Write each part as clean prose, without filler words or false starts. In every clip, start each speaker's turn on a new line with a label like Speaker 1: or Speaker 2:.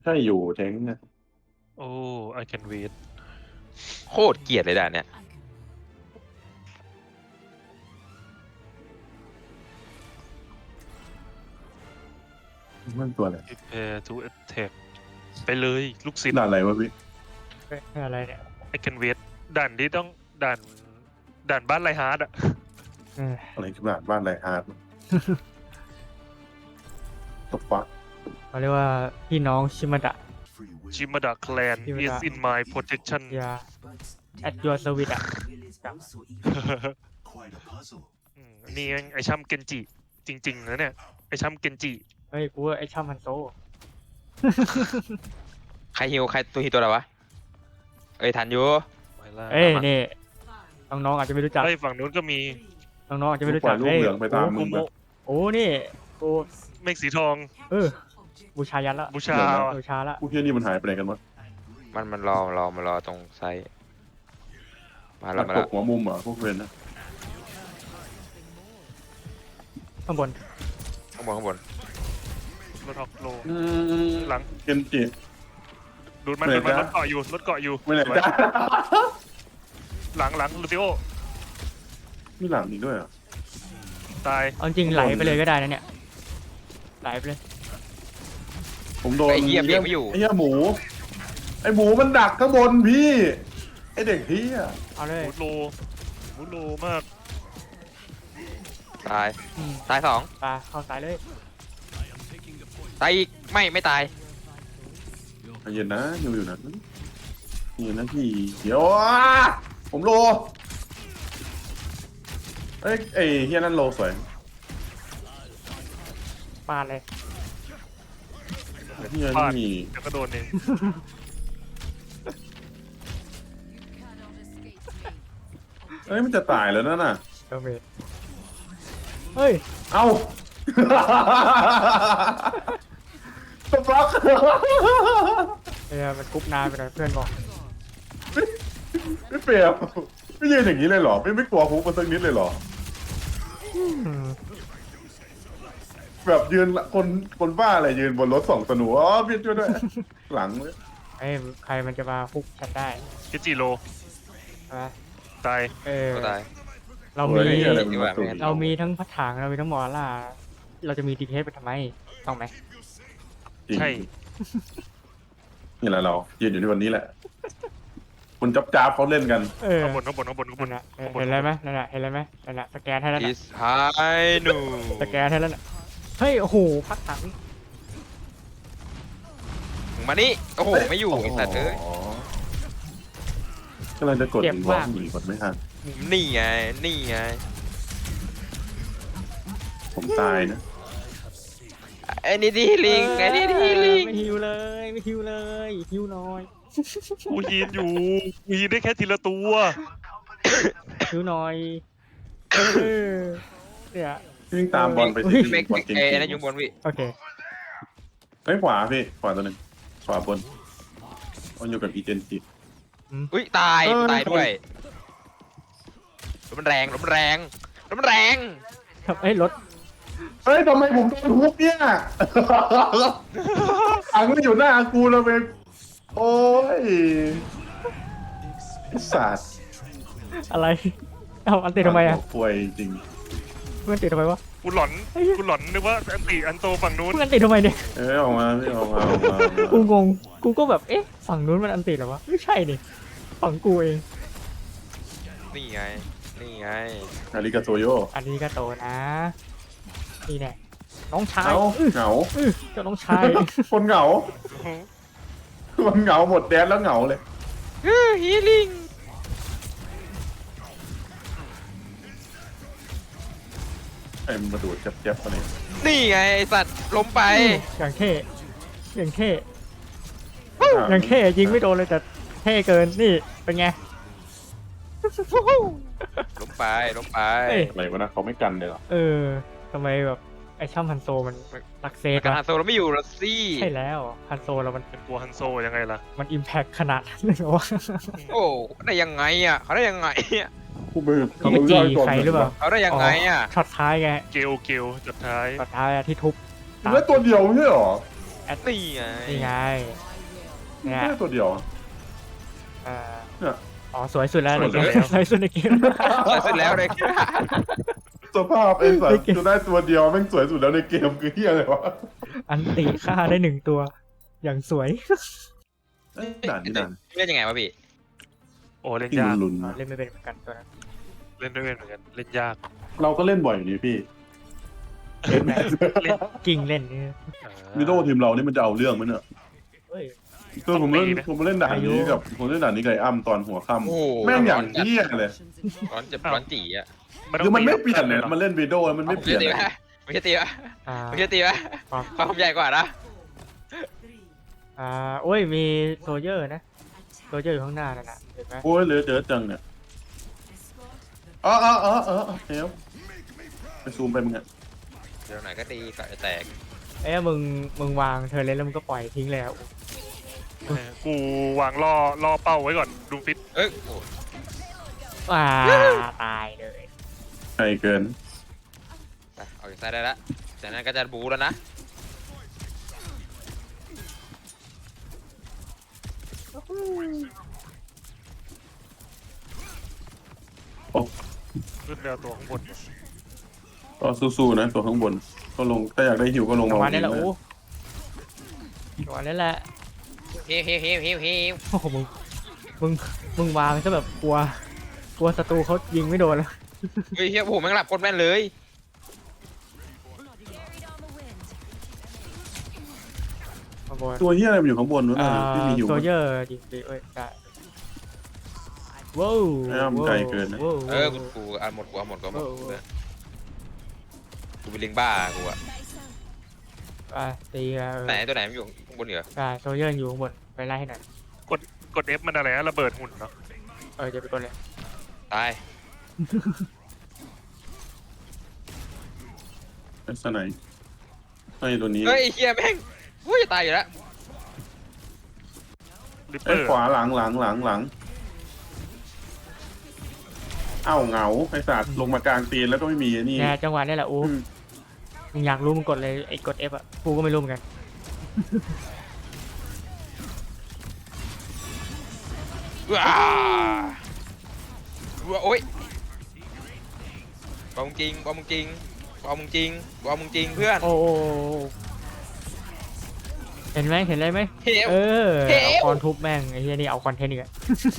Speaker 1: ใช่อยู่แทงนะ
Speaker 2: โอ้ I can wait
Speaker 3: โคตรเกลียดเลยด่านเนี้ย
Speaker 1: มันตัวอะไร
Speaker 2: prepare to attack ไปเลยลูกศิษย์
Speaker 1: ด่านอะไรวะพี่
Speaker 4: อะไรเนี่ย
Speaker 2: I can wait ด่านที่ต้องด่านด่านบ้านไรฮาร์ดอะ
Speaker 4: เออ
Speaker 1: อะไรคือด่านบ้านไรฮาร์ดตบฟัก
Speaker 4: เขาเรียกว่าพี่น้องชิมาดะ
Speaker 2: ชิมาดะ clan is in my protection
Speaker 4: ยาแอดยูสวิตอ่ะ
Speaker 2: นี่แม่งไอช่ำเกนจิจริงๆนะเนี่ยไอช่ำเกนจิ
Speaker 4: เฮ้ยกูว่าไอช่ามันโซ
Speaker 3: ใครฮิวใครตัวฮิวตัวอะไรวะเอ้ยทันอยู่
Speaker 2: ไปละ
Speaker 4: เอ้ยนี่น้องๆอาจจะไม่รู้จัก
Speaker 2: เฮ้ยฝั่งนู้นก็มี
Speaker 4: น้องๆอาจจะไม่รู้
Speaker 1: ปล่
Speaker 4: จั
Speaker 1: อก ยลูก
Speaker 4: เอ้ย
Speaker 1: เหลืองไปตามมึ
Speaker 2: คุ
Speaker 1: ง
Speaker 2: โม
Speaker 1: แบบ
Speaker 4: โอ้นี่กู
Speaker 2: เมฆสีทอง
Speaker 4: บูชายันละ
Speaker 2: บูชา
Speaker 4: บูชาละ
Speaker 1: ผู้เที่ยนี่มันหายไปไหนกันวะ
Speaker 3: มันรอตรงไซต์มา
Speaker 1: มั
Speaker 3: แล้ว
Speaker 1: น
Speaker 3: มา
Speaker 1: ต
Speaker 3: แล้ว
Speaker 1: กหัวมุมเหรอพวกเวนนะ
Speaker 4: ข้างบน
Speaker 3: ข้างบน
Speaker 2: รถออกโล
Speaker 1: อืม
Speaker 2: หลัง
Speaker 1: เกนจิ
Speaker 2: ดูดมัน
Speaker 1: ไม่
Speaker 2: ดูดมัน
Speaker 1: ได้
Speaker 2: รถเกาะอยู่รถเกาะอยู่
Speaker 1: ไม่ไหนจ้า
Speaker 2: หลังลูซิโอ
Speaker 1: มีหลังอีกด้วยเหรอ่ะ
Speaker 2: ตาย
Speaker 4: เอาจริงไหลไปเลยก็ได้นะเนี่ยไหลไปเลย
Speaker 1: ผมโดน
Speaker 3: ไอ้เหี้ยเบรกไม่อยู่
Speaker 1: ไอ้เหี้ยหมูไอ้หมูมันดักข้างบนพี่ไอ้เด็กเหี้ย
Speaker 4: เอาเลย
Speaker 2: มุดโลมาก
Speaker 3: ตาย
Speaker 4: อืม
Speaker 3: ตายสอง
Speaker 4: ปลาเข้าสายเลย
Speaker 3: ตายอีกไม่ตาย
Speaker 1: ใจเย็นนะอยู่นะนี่นะพี่เดี๋ยวผมโลเอ้ยไอ้เฮียนั่นโลสวย
Speaker 4: ปลาเลย
Speaker 1: เฮีย
Speaker 2: พลาด
Speaker 1: นี่
Speaker 2: เดี๋ยวก็โดนเอง
Speaker 1: เอ้ยมันจะตายแล้วนั่นน่ะ
Speaker 4: เออเมดเฮ้ย
Speaker 1: เอ้าตบล็อก
Speaker 4: มันกรุ๊ปนานไปหน่อยเพื่อนบอก
Speaker 1: ไม่เปรียบไม่ยืนอย่างนี้เลยเหรอไม่กลัวฮุกมันสักนิดเลยเหรอ แบบยืนคนบ้าอะไรยืนบนรถสองสนูอ๋อพี่ช่วยด้วยหลังเลย
Speaker 4: เอ้ยใครมันจะมาฮุกฉันได้
Speaker 2: กิจิโล
Speaker 4: ใช่ไหม
Speaker 2: ตาย
Speaker 3: ก็ตาย
Speaker 4: เรา
Speaker 1: โอ้
Speaker 4: มี
Speaker 1: ยอะไรมันมาสุด
Speaker 4: เรามีทั้งพัดถังเรามีทั้งมอล่าเราจะมีดีเทสไปทำไมต้องไหม
Speaker 1: จริง
Speaker 2: ใช่
Speaker 1: นี่แหละเรายืนอยู่ในวันนี้แหละคุณจับเขาเล่นกัน
Speaker 2: ข้างบนข้างบน
Speaker 4: นั่นน่ะเห็นอะไรไหมนั่นน่ะเห็นอะไรไหมนั่นน่ะสแกนให้แล้ว
Speaker 3: อิ
Speaker 4: น่ะ
Speaker 3: สไฮนู
Speaker 4: สแกนให้แล้วน่ะเฮ้ยโอ้โหพัดถัง
Speaker 3: มานี่โอ้โหไม่อยู่ไอ้สัตว์เอ้ย
Speaker 1: อ๋อกำลังจะกดวอล์กหนีกดไม่ทัน
Speaker 3: นี่ไง
Speaker 1: ผมตายนะ
Speaker 3: ไอ้นี่ดีลิงไอ้นี่ดีลิง
Speaker 4: ไม่ฮิวเลยไม่ฮิวเลยฮิวน้อย
Speaker 2: กูยีนอยู่กูยีนได้แค่ทีละตัว
Speaker 4: ฮิวน้อยเนี่ย
Speaker 1: วิ่งตามบอลไป
Speaker 4: อุ้
Speaker 1: สิ
Speaker 4: ย
Speaker 1: บ
Speaker 3: เมก
Speaker 1: บอลเก่ง
Speaker 3: ไอ้นั่นอยู่บนวิ
Speaker 4: โอเค
Speaker 1: ๆเฮ้ยขวาพี่ขวาตัวหนึ่งขวาบนมันอยู่กับอีเจนจิ
Speaker 3: อุ้ยตายด้วยรถมันแรง
Speaker 4: ครับเอ้ยรถ
Speaker 1: เฮ้ยทำไมผมโดนฮุกเนี่ยอังก็อยู่หน้ากูแล้วเป็นโอ้ยไอ้สัตว์
Speaker 4: อะไรเอาอันติดทำไมอ่ะ
Speaker 1: ป่วยจริง
Speaker 4: เพื่อนติดทำไมวะ
Speaker 2: กูหลอนนึกว่าอันโตฝั่งนู้น
Speaker 4: เพื่อนติดทำไมเนี่ย
Speaker 1: เอ้ยออกมาพี่ออกมา
Speaker 4: กูงงกูก็แบบเอ๊ะฝั่งนู้นมันอันติดเหรอวะไม่ใช่นี่ฝั่งกูเอง
Speaker 3: นี่ไง
Speaker 1: อาริกาโตโย
Speaker 4: อันนี้ก็โตนะนี่แน่น้องชาย
Speaker 1: เอ้าเหงา
Speaker 4: เจ้าน้องชาย
Speaker 1: คนเหงามันเหงาหมดแดนแล้วเหงาเลย
Speaker 3: ฮีลิง
Speaker 1: ไอ้มันมาดูดเจ็บๆอะไร
Speaker 3: นี่ไงไอ้สัตว์ล้มไป
Speaker 4: อย่างเท่อย่างเท่อย่างเท่ยิงไม่โดนเลยแต่เท่เกินนี่เป็นไง
Speaker 3: ล้มไป
Speaker 4: เอ้ย
Speaker 1: อะไรวะนะเขาไม่กันเลยเหรอ
Speaker 4: ทำไมแบบไอช่ำฮันโซมันรักเซต
Speaker 3: กา
Speaker 4: อะ
Speaker 3: ฮาโซเราไม่อยู่ละสิ
Speaker 4: ใช่แล้วฮันโซเรามัน
Speaker 2: เป็นตัวฮันโซยังไงล่ะ
Speaker 4: มันอิมแพคขนาดนั้นเลยเหรอวะ
Speaker 3: โอ้ได้ยังไงอ่ะเขาได้ยังไงอ่ะ
Speaker 1: ผู้มือ
Speaker 4: เขาไปจีใครหรือเปล่า
Speaker 3: เขาได้ยังไงอ่ะ
Speaker 4: ช็อตท้ายไง
Speaker 2: เกลจุดท้าย
Speaker 4: ช็อตท้ายอะที่ทุบ
Speaker 1: แล้วตัวเดียวไม่ใช่เหรอ
Speaker 4: ไอ
Speaker 3: นี่ไง
Speaker 4: นี่ไงเนี่ย
Speaker 1: แค่ตัวเดียว
Speaker 4: เอ่อ
Speaker 1: เนี่ย
Speaker 4: อ๋อสวยสุดแล้วในเกม
Speaker 2: สวยแล้ว
Speaker 4: สวยสุดในเกม
Speaker 3: เสร็จแล้วเลย
Speaker 1: สภาพไอ้สัต
Speaker 4: ไม่
Speaker 1: ว์
Speaker 4: เก่ง
Speaker 1: จะได้ตัวเดียวแม่งสวยสุดแล้วในเกมคือเฮียอะไรวะ
Speaker 4: อันติฆ่าได้1 ตัว อย่างสวย
Speaker 1: เอ้ยด่านนี้ด่าน
Speaker 3: เล่นยังไงวะพี่
Speaker 2: โอ้เล่น
Speaker 1: ที่
Speaker 2: ยาก
Speaker 1: ลุ้นๆนะ
Speaker 4: เล่นไม่เป็นเหมือนกันตัวนั้น
Speaker 2: เล่นด้วยกันเหมือนกันเล่นยาก
Speaker 1: เราก็เล่นบ่อยอยู่ดีพี่เล่น
Speaker 2: เล่น
Speaker 4: กิ่งเล่นนี่
Speaker 1: วิโดทีมเรานี่มันจะเอาเรื่องไหมเนี่ย
Speaker 4: เฮ้ย
Speaker 1: คือผมเล่นด่านนี้กับผมเล่นด่านนี้กับไอ้อ้ำตอนหัวค่
Speaker 3: โอ้โห
Speaker 1: ำแม่งอย่างเฮี้ยเลย
Speaker 3: ร้อนเจ็บร้อนจีอ่ะ
Speaker 1: คือมันไม่เปลี่ยนเลยมันเล่นวิโดแล้วมันไม่เปลี่ยน
Speaker 3: ตี
Speaker 1: เลย
Speaker 3: ปะไม่ใช่ตีปะ
Speaker 4: อ่า
Speaker 3: ไม่ใช่ตีปะ
Speaker 4: ครับ
Speaker 3: ความใหญ่กว่านะ
Speaker 4: โอ้ยมีโซเยอร์นะโซเยอร์อยู่ข้างหน้านั่นน่ะเห็นไหม
Speaker 1: โอ้ยเหลือเจอจังเนี่ยอ๋อเฮ้ยไปซูมไปมึงอะ
Speaker 3: เดี๋ยวไหนก็ตีก็จะแตก
Speaker 4: เอ้ยมึงวางเธอเล่นแล้วมึงก็ปล่อยทิ้งแล้ว
Speaker 2: กูวางล่อเป้าไว้ก่อนดูฟิต
Speaker 3: เอ้ยโอ้
Speaker 4: ตายเลย
Speaker 1: ไกลเกิน
Speaker 3: ไปออกจากซ้ายได้ละจากนั้นก็จะบูแล้วนะ
Speaker 2: ขึ้นเร็วตัวข้างบน
Speaker 1: ก็สู้ๆนะตัวข้างบนก็ลงถ้าอยากได้หิวก็ลง
Speaker 4: จังหวะ
Speaker 1: มา
Speaker 4: นี้แหละ
Speaker 1: เอง
Speaker 4: โอ้
Speaker 1: นะ
Speaker 4: จังหวะนี้แหละ
Speaker 3: เฮ้ว
Speaker 4: โอ้โหมึงวางซะแบบกลัวศัตรูเขายิงไม่โดนแล้ว
Speaker 3: เฮ้ยเฮียโอ้โหแม่งหลับโคตรแม่นเลย
Speaker 4: ข้างบน
Speaker 1: ตัวเฮี้ยอะไรมันอยู่ข้างบนนู้นน่ะที่มีหิว
Speaker 4: โซเยอร์ยิงไปเอ้ยได้ว้าว
Speaker 1: ไม่เอามันไกลเกินนะ
Speaker 4: ว้าว
Speaker 3: กูเอาหมดกูเอาหมดกูเอาหมด
Speaker 4: โอ้โห
Speaker 3: กูเป็นลิงบ้ากูอะ
Speaker 4: ตีกัน
Speaker 3: ไหนตัวไหนมันอยู่ข้างบนเหรอ
Speaker 4: ได้โซเยอร์อยู่ข้างบนไปไล่ให้หน่อย
Speaker 2: กด F มันอะไรนะระเบิดหุ่นเนาะ
Speaker 4: จะไปกดเลย
Speaker 3: ตาย
Speaker 1: ไอ้สไนป์ไอ้ตัวนี้
Speaker 3: เฮ้ยเฮียแม่งกูจะตายอยู่แล้ว
Speaker 2: ริปเป
Speaker 1: ไอ้
Speaker 2: อร์
Speaker 1: ขวาหลังเอ้าเหงาไอ้สัตว์ลงมากลางตีนแล้วก็ไม่มีนี่
Speaker 4: เนี่ยจังหวะนี้แหละโอ้
Speaker 1: อืม
Speaker 4: มึงอยากรู้มึงกดเลยไอ้กด F อ่ะกูก็ไม่รู้เหมือนกัน
Speaker 3: ว้าโอ๊ยบอมจริงเพื่อน
Speaker 4: โอ้เห็นไหมเห็นอะไรไหม
Speaker 3: เฮ้ย
Speaker 4: เอาคอนทุบแม่งไอ้เหี้ยนี่เอาคอนเทนต์อีกอะ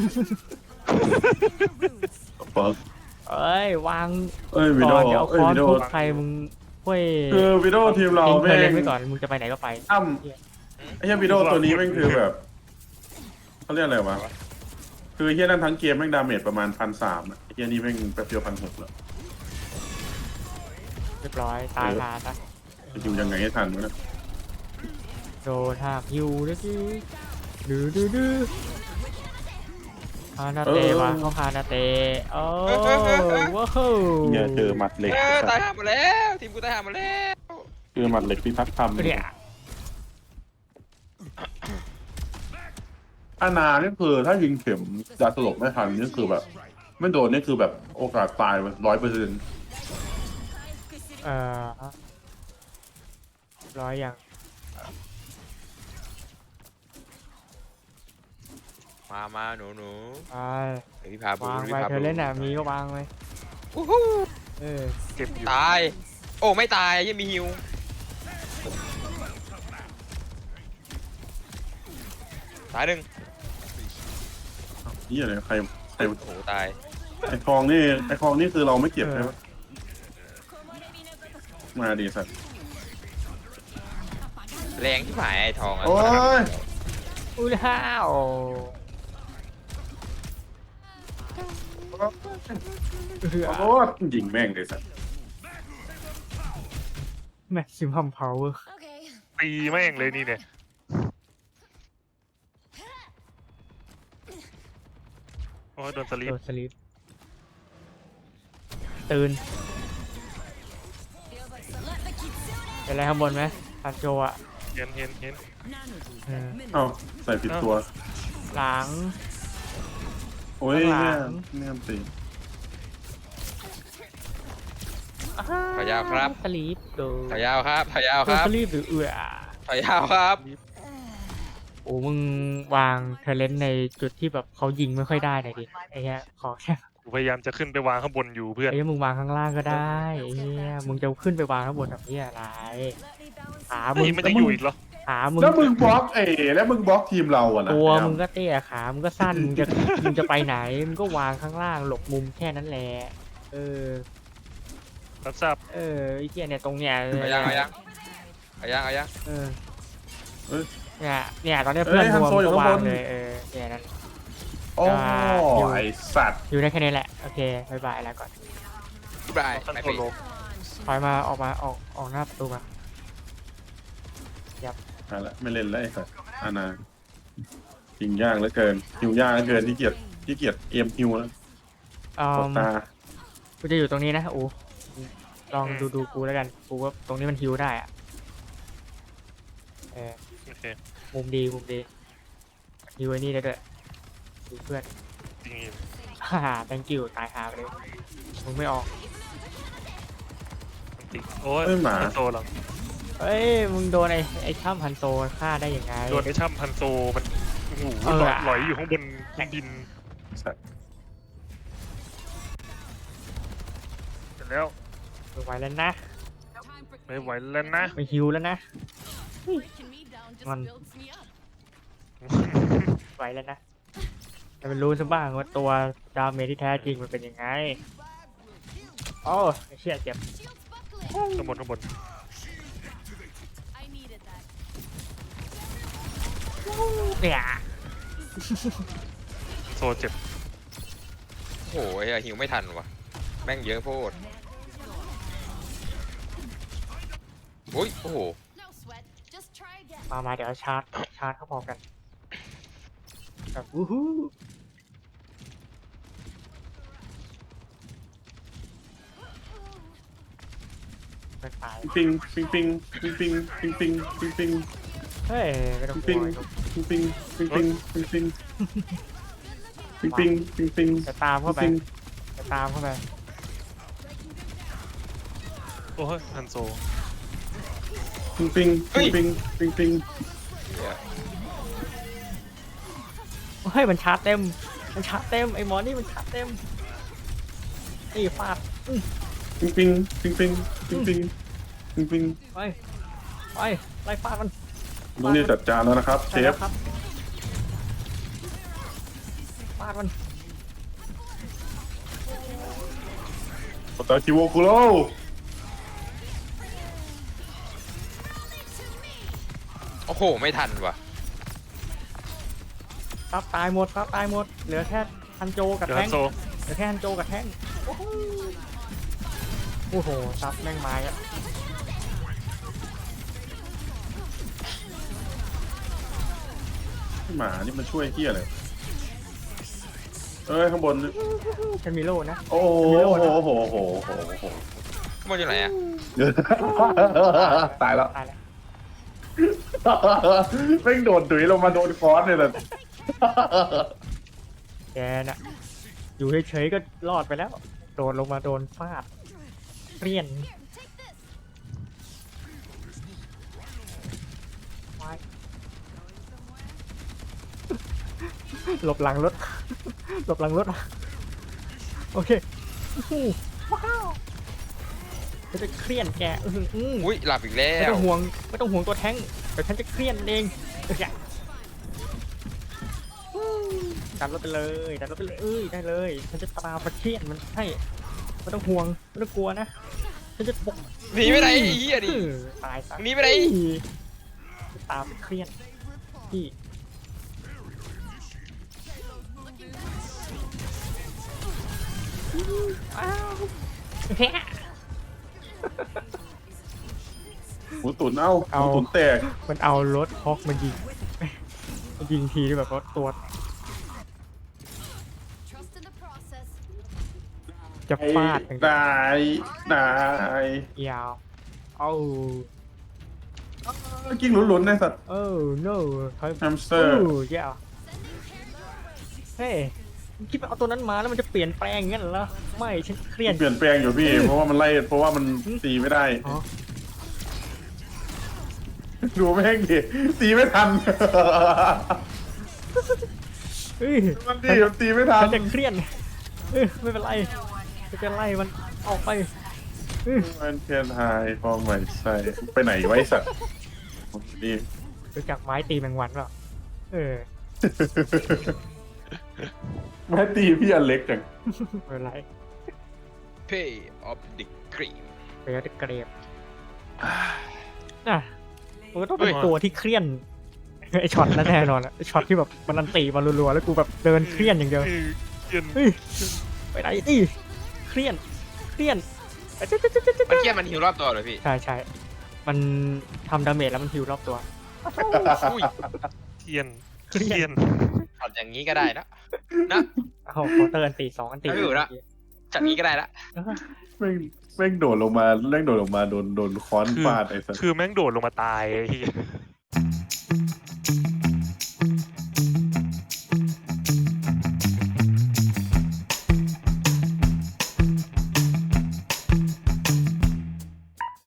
Speaker 1: เปิร์ก
Speaker 4: เอ้ยวาง
Speaker 1: วิ
Speaker 4: ก่
Speaker 1: ดี
Speaker 4: อ
Speaker 1: โอน
Speaker 4: เดี๋ยวเอาค
Speaker 1: วิ
Speaker 4: อน
Speaker 1: ดีโอ
Speaker 4: ทุบใครมึงห้วย
Speaker 1: คือวิดีโอทีมเรา
Speaker 4: ทิ้งเธ
Speaker 1: แม่
Speaker 4: อเล่น
Speaker 1: ง
Speaker 4: ไว้ก่อนมึงจะไปไหนก็ไป
Speaker 1: อ้ำไอ้เฮี้ยวิดีโอตัวนี้แม่งคือแบบเขาเรียกอะไรวะคือเฮี้ยนั่นทั้งเกมแม่งดาเมจประมาณ1,300ไอ้เฮี้ยนี่แม่งแป๊บเดียว1,600แล้ว
Speaker 4: เรียบร้อยตายคาซะ
Speaker 1: จะอยู่ยังไงให้ทันวะเนะ
Speaker 4: โดนหักยูด้วยจีดื้อฮานาเตะวะเขาฮานาเตะโอ้ว้าว
Speaker 1: เนี่ยเจอหมัดเหล็ก
Speaker 3: ตายหาหมดแล้วทีมกูตายหาหมดแล้ว
Speaker 1: เจอหมัดเหล็กที่ทักทำ
Speaker 4: เนี่ย
Speaker 1: อาณานี่คือถ้ายิงเข็มยาสลบไม่ทันนี่คือแบบ ไม่โดนนี่คือแบบโอกาสตาย100%
Speaker 4: ร้อยอย่าง
Speaker 3: มาหนู
Speaker 4: ไป
Speaker 3: เดี๋ยวพี่พาบู
Speaker 4: วาง
Speaker 3: พี่
Speaker 4: ไป
Speaker 3: พา
Speaker 4: เธ
Speaker 3: บู
Speaker 4: อเล่นมีก็วางไว้
Speaker 3: อู้หู้
Speaker 2: เก็บอยู่
Speaker 3: ตาย โอ้ไม่ตายยังมีฮิวตายหนึ่ง
Speaker 1: นี่อะไรใคร
Speaker 3: โอ้โหตาย
Speaker 1: ไอ้ทองนี่คือเราไม่เก็บใช่ไหมมาดีสัตว์
Speaker 3: แรงที่หายไอ้ทองอะ
Speaker 1: โอ้ย
Speaker 4: อุ้ยห้าว
Speaker 1: ขอโทษยิงแม่งเลยสัตว์
Speaker 4: แม็กซิมัมพาวเวอร์
Speaker 2: ตีแม่งเลยนี่เนี่ยโอ้ยโดนสลีป
Speaker 4: โดนสลิปตื่นเป็นอะไรข้างบนไหมพันโจอ่ะ
Speaker 2: เห็น
Speaker 1: เอ้าใส่ผิดตัว
Speaker 4: หลัง
Speaker 1: โอ้ย
Speaker 4: ข้างหลั
Speaker 1: เนี่ย
Speaker 4: ง
Speaker 1: ตี
Speaker 3: พยาวครับ
Speaker 4: สลิปโดน
Speaker 3: พยาวครับ
Speaker 4: โดนสลิปหรือเอือ
Speaker 3: พอยยาวครับ
Speaker 4: โอ้มึงวางเทเลนในจุดที่แบบเขายิงไม่ค่อยได้หน่อยดิไอ้เหี้ยขอแค่
Speaker 2: กูพยายามจะขึ้นไปวางข้างบนอยู่เพื่อน
Speaker 4: ไอ้เหี้ยมึงวางข้างล่างก็ได้ไอ้เหี้ยมึงจะขึ้นไปวางข้างบนแบบนี้อะไรขามึ
Speaker 2: นี่
Speaker 4: ง
Speaker 2: ไม่ได้อยู่อีกเหรอ
Speaker 4: ขามึง
Speaker 1: แล้วมึงบล็อกแล้วมึงบล็อกทีมเราอะนะ
Speaker 4: ตัวมึงก็เตี้ยขามึงก็สั้นมึงจะไปไหนมึงก็วางข้างล่างหลบมุมแค่นั้นแหละเออ
Speaker 2: รับทราบ
Speaker 4: ไอ้เหี้ยเนี่ยตรงเนี้ย
Speaker 3: เอายังเอายังเอายังเอายัง
Speaker 4: เออเนี่ยตอนเนี้ยเพื่อนรวมก็วางเลยเนี่ยนั่น
Speaker 1: โอ้ไอสัตว์
Speaker 4: อยู่ได้แค่นี้แหละโอเคบายบายแล้วก่อน
Speaker 3: บาย
Speaker 2: คัน
Speaker 3: ไม่
Speaker 2: โซ
Speaker 3: เป็น
Speaker 2: โล
Speaker 4: ถอยมาออกหน้าประตูมา
Speaker 1: นั่นแหละไม่เล่นแล้วไอสัตว์อานายิงยากเหลือเกินหิวยากเหลือเกินที่เกียจเอ็มฮิวแล้ว
Speaker 4: อื
Speaker 1: กด
Speaker 4: ม
Speaker 1: ตา
Speaker 4: กูจะอยู่ตรงนี้นะอูลองดูกูแล้วกันกูว่าตรงนี้มันฮิวได้อะเออ
Speaker 2: โอเค
Speaker 4: มุมดีฮิวไอ้นี่ได้ด้วยดูเพื่อน
Speaker 2: จริง
Speaker 4: ฮ่า thank you ตายหาไปเลยมึงไม่ออก
Speaker 2: จริงโอ้ย
Speaker 1: เอ้ยหมา
Speaker 2: พันโซเหรอ
Speaker 4: เอ้ยมึงโดนไอ้ช่ำพันโซฆ่าได้ยังไง
Speaker 2: โดนไอ้ช่ำพันโซมันโอ้โห
Speaker 4: เออ
Speaker 2: หลอยอยู่ข้างบนดิน
Speaker 1: สัตว์
Speaker 2: เสร็จแล้ว
Speaker 4: ไม่ไหวแล้วนะ
Speaker 2: ไม่ไหวแล้วนะ
Speaker 4: ไม่ฮิวแล้วนะ มัน ไหวแล้วนะแต่มันรู้ซะบ้างว่าตัวดาเมจที่แท้จริงมันเป็นยังไงโอ้เชี่ยเจ็บ
Speaker 2: ข้างบน
Speaker 4: เนี่ย
Speaker 2: โซเจ็บ
Speaker 3: โอ้โหไอ้เหี้ยหิวไม่ทันวะแม่งเยอะโพดโอ้ยโอ้โห
Speaker 4: มาเดี๋ยวชาร์จเข้าพร้อมกันแบบวู้ฮู้ไม่ตาย
Speaker 1: ปิงปิงปิงปิงปิงปิงปิงปิงปิง
Speaker 4: เฮ้ยไม่ต้องก
Speaker 1: ปิ
Speaker 4: ลั
Speaker 1: ง
Speaker 4: ว
Speaker 1: ปิงปิงปิงปิงปิงปิงปิงปิงปิงปิง
Speaker 4: จะตามเข้าไปจะตามเข้าไป
Speaker 2: โอ้ยพันโซ
Speaker 1: ปิงปิงปิงปิงปิงปิง
Speaker 3: เหี้ย
Speaker 4: เฮ้ยมันชาร์จเต็มไอ้หมอนี่มันชาร์จเต็มนี่ฟาด
Speaker 1: ปิงปิงปิงปิงปิงปิงปิงปิง
Speaker 4: ไปไล่ฟาดมัน
Speaker 1: ลุงเนี่ยจัดจานแล้วนะครับเช
Speaker 4: ใช่แล้
Speaker 1: ฟ
Speaker 4: วครับฟาดมัน
Speaker 1: โอตาคิโวคุโร
Speaker 3: โอ้โหไม่ทันว่ะ
Speaker 4: ซับตายหมดเหลือแค่ฮันโจกับ
Speaker 2: เดี๋ยว
Speaker 4: แท่
Speaker 2: พั
Speaker 4: ง
Speaker 2: นโซ
Speaker 4: เหลือแค่ฮันโจกับแท่งโอ้โหซับแม่งไม้อะ
Speaker 1: หมานี่มันช่วยเฮียอะไรเอ้ยข้างบน
Speaker 4: ฉันมีโล่นะ
Speaker 1: โอ้โหโอ้โหโอ้โหโอ้โหโอ้โห
Speaker 3: มันอยู่ไหนอะ
Speaker 1: ตายแล้ว
Speaker 4: ตายแล้ว
Speaker 1: แม่งโดนตุ๋ยลงมาโดนคอร์สเลยแหละ
Speaker 4: แกน่ะอยู่เฉยๆก็รอดไปแล้วโดนลงมาโดนฟาดเรียนว้ายหลบหลังรถโอเคว้าวฉันจะเครียดแก
Speaker 3: อุ้ยหลับอีกแล้
Speaker 4: ไม่
Speaker 3: ว
Speaker 4: ต้องห่วงตัวแท้งเดี๋ยวฉันจะเครียดเองดันรถไปเลยได้เลยฉันจะตามประเทียนมันให้ไม่ต้องห่วงไม่ต้องกลัวนะฉันจะปก
Speaker 3: หนีไปไหนไอ้เหี้ยดิ
Speaker 4: ตายซะ
Speaker 3: หนีไปไหน
Speaker 4: ตามไปเครียดพี่อ้าวแฮะ
Speaker 1: หมูตุ๋นเอ้าหมูตุ๋นแตก
Speaker 4: มันเอารถฮอกมันยิงทีที่แบบว่าตัวจะฟาดอย่างเดียวน
Speaker 1: าย
Speaker 4: ยาวเอา
Speaker 1: กิ้งหลุนๆในสัตว์
Speaker 4: no
Speaker 1: แฮมสเตอร์
Speaker 4: ยาวเฮ้ยคิดว่าเอาตัวนั้นมาแล้วมันจะเปลี่ยนแปลงงั้นเหรอไม่ฉันเครียด
Speaker 1: เปลี่ยนแปลงอยู่พี่ เพราะว่ามันตีไม่ได้
Speaker 4: อ๋อ
Speaker 1: ดูแม่งดิตีไม่ทัน
Speaker 4: เฮ้ย
Speaker 1: มันดีมันตีไม่ทัน
Speaker 4: ฉันจะเครียดไม่เป็นไรจะไล่มันออกไป
Speaker 1: มันเทียนไฮฟองใหม่ใส่ไปไหนไว้สัตว์นี่
Speaker 4: รู้จักไม้ตีแมงวันเปล่าเออ
Speaker 1: แม่ตีพี่อันเล็กจัง
Speaker 4: ไม่เป็นไร
Speaker 3: Pay of the Cream
Speaker 4: เบลเกรบน่ะมันก็ต้องเป็นตัวที่เครียดไอช็อตนั่นแน่นอนอะไอช็อตที่แบบมันอันตีมารัวๆแล้วกูแบบเดินเครียดอย่างเดียว
Speaker 2: เย็น
Speaker 4: เฮ้ยไปไหนดิเครียด
Speaker 3: มันเกียมันฮิวรอบตัวเลยพี่
Speaker 4: ใช่มันทำดาเมจแล้วมันฮิวรอบตัว
Speaker 3: อุ้ย
Speaker 2: เทียนเทียน
Speaker 3: ช็อตอย่างนี้ก็ได้นะนะ
Speaker 4: เอาเคาน์เตอร์อันตี2 อันตี
Speaker 3: ไม่อยู่ละ ช็อตนี้ก็ได้ละ
Speaker 1: แม่งโดดลงมาโดนค้อนฟาดไอ้สัตว์
Speaker 2: คือแม่งโดดลงมาตายไอ้เหี้ย